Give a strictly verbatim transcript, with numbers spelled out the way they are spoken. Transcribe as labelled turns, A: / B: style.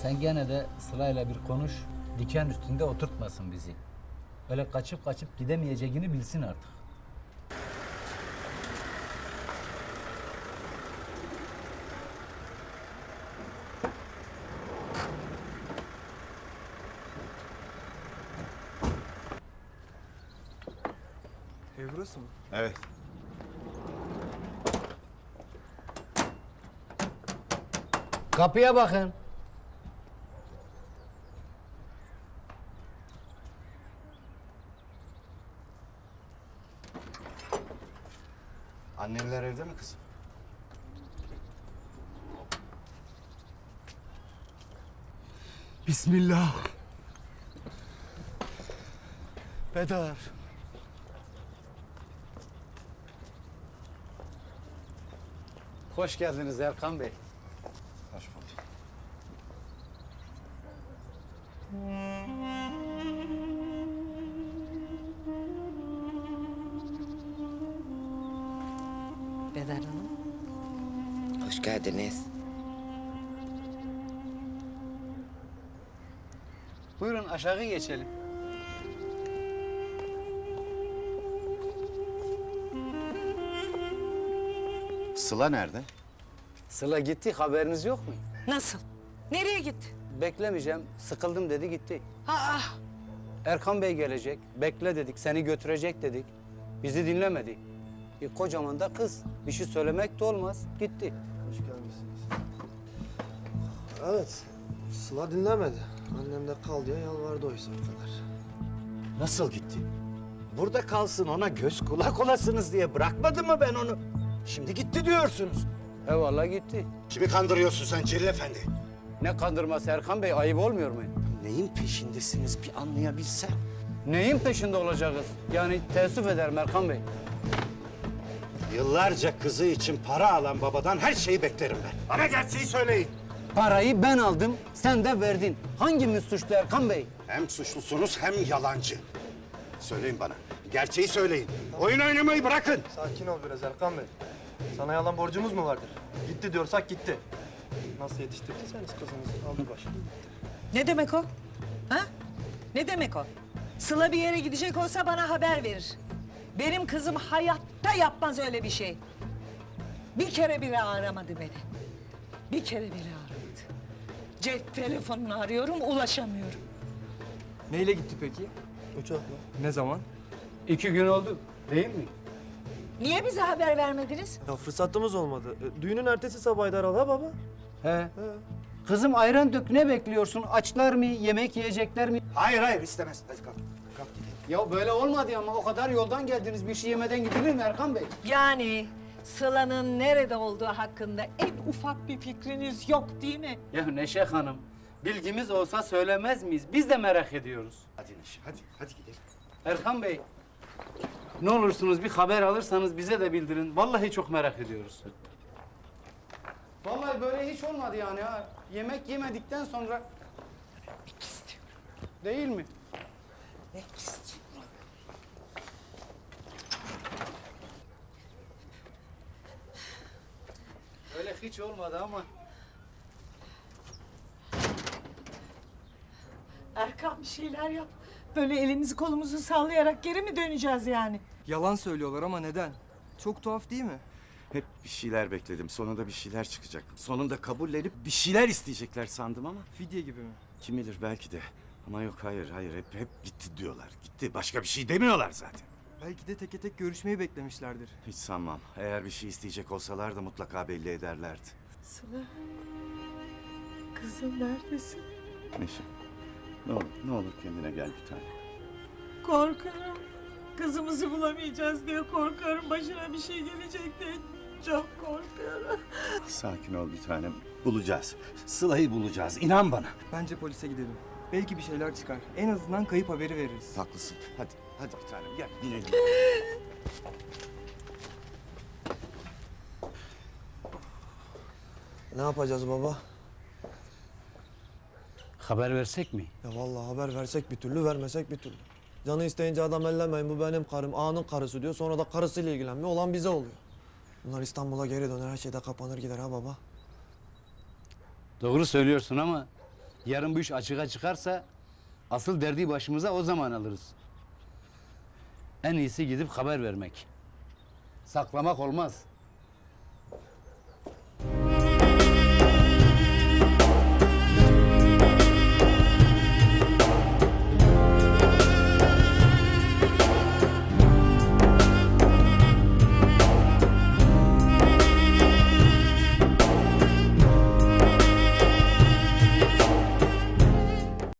A: Sen gene de Sıla'yla bir konuş, diken üstünde oturtmasın bizi. Öyle kaçıp kaçıp gidemeyeceğini bilsin artık.
B: Ev burası mı?
C: Evet.
A: Kapıya bakın.
C: Annemler evde mi kızım?
B: Bismillah. Bedar.
A: Hoş geldiniz Erkan Bey.
C: Hoş bulduk.
D: Bedar Hanım.
E: Hoş geldiniz.
A: Buyurun aşağı geçelim.
C: Sıla nerede?
A: Sıla gitti, haberiniz yok mu?
D: Nasıl? Nereye gitti?
A: Beklemeyeceğim, sıkıldım dedi gitti.
D: Aa,
A: Erkan Bey gelecek, bekle dedik, seni götürecek dedik. Bizi dinlemedi. E, kocaman da kız, bir şey söylemek de olmaz, gitti.
B: Hoş gelmişsiniz. Evet. Sıla dinlemedi. Annem de kal diye yalvardı oysa o kadar.
C: Nasıl gitti? Burada kalsın, ona göz kulak olasınız diye bırakmadım mı ben onu? Şimdi gitti diyorsunuz.
A: Eyvallah gitti.
C: Kimi kandırıyorsun sen Celil Efendi?
A: Ne kandırması Erkan Bey, ayıp olmuyor mu?
C: Neyin peşindesiniz bir anlayabilsem.
A: Neyin peşinde olacağız? Yani teessüf ederim Erkan Bey.
C: Yıllarca kızı için para alan babadan her şeyi beklerim ben. Bana gerçeği söyleyin.
A: Parayı ben aldım, sen de verdin. Hangimiz suçlu Erkan Bey?
C: Hem suçlusunuz hem yalancı. Söyleyin bana. Gerçeği söyleyin. Oyun oynamayı bırakın.
B: Sakin ol biraz Erkan Bey. Sana yalan borcumuz mu vardır? Gitti diyorsak gitti. Nasıl yetiştirdiyseniz kızınızı aldı başını.
D: ne demek o? Ha? Ne demek o? Sıla bir yere gidecek olsa bana haber verir. Benim kızım hayatta yapmaz öyle bir şey. Bir kere bile aramadı beni. Bir kere bile aramadı. Cep telefonunu arıyorum, ulaşamıyorum.
F: Neyle gitti peki?
B: Uçakla.
F: Ne zaman?
A: İki gün oldu, değil mi?
D: Niye bize haber vermediniz?
B: Ya fırsatımız olmadı. E, düğünün ertesi sabahıydı herhalde ha baba.
A: He. Kızım ayran dök, ne bekliyorsun? Açlar mı, yemek yiyecekler mi?
C: Hayır hayır istemez. Hadi kalk. Kalk gidelim.
A: Ya böyle olmadı ama o kadar yoldan geldiniz, bir şey yemeden gidilir mi Erkan Bey?
D: Yani Sıla'nın nerede olduğu hakkında en ufak bir fikriniz yok değil mi?
A: Ya Neşe Hanım, bilgimiz olsa söylemez miyiz? Biz de merak ediyoruz.
C: Hadi Neşe hadi. Hadi gidelim.
A: Erkan Bey, ne olursunuz bir haber alırsanız bize de bildirin. Vallahi çok merak ediyoruz. Vallahi böyle hiç olmadı yani ha. Yemek yemedikten sonra... Yemek istiyorum. Değil mi?
D: Yemek istiyorum.
A: Öyle hiç olmadı ama...
D: Erkan bir şeyler yap. Böyle elimizi kolumuzu sallayarak geri mi döneceğiz yani?
F: Yalan söylüyorlar ama neden? Çok tuhaf değil mi?
C: Hep bir şeyler bekledim. Sonunda bir şeyler çıkacak. Sonunda kabullenip bir şeyler isteyecekler sandım ama.
F: Fidye gibi mi?
C: Kim bilir belki de. Ama yok hayır hayır hep hep gitti diyorlar. Gitti. Başka bir şey demiyorlar zaten.
F: Belki de teke tek görüşmeyi beklemişlerdir.
C: Hiç sanmam. Eğer bir şey isteyecek olsalar da mutlaka belli ederlerdi.
D: Sıla, kızım neredesin?
C: Neşe. Ne olur, ne olur kendine gel bir tane.
D: Korkuyorum. Kızımızı bulamayacağız diye korkuyorum. Başına bir şey gelecek diye çok korkuyorum.
C: Sakin ol bir tanem. Bulacağız. Sıla'yı bulacağız. İnan bana.
F: Bence polise gidelim. Belki bir şeyler çıkar. En azından kayıp haberi veririz.
C: Haklısın. Hadi, hadi bir tanem gel binelim.
B: Ne yapacağız baba?
A: Haber versek mi?
B: Ya vallahi haber versek bir türlü, vermesek bir türlü. Canı isteyince adam ellemeyin, bu benim karım, ağanın karısı diyor. Sonra da karısıyla ilgilenmiyor, olan bize oluyor. Bunlar İstanbul'a geri döner, her şey de kapanır gider ha baba.
A: Doğru söylüyorsun ama Yarın bu iş açığa çıkarsa asıl derdi başımıza o zaman alırız. En iyisi gidip haber vermek. Saklamak olmaz.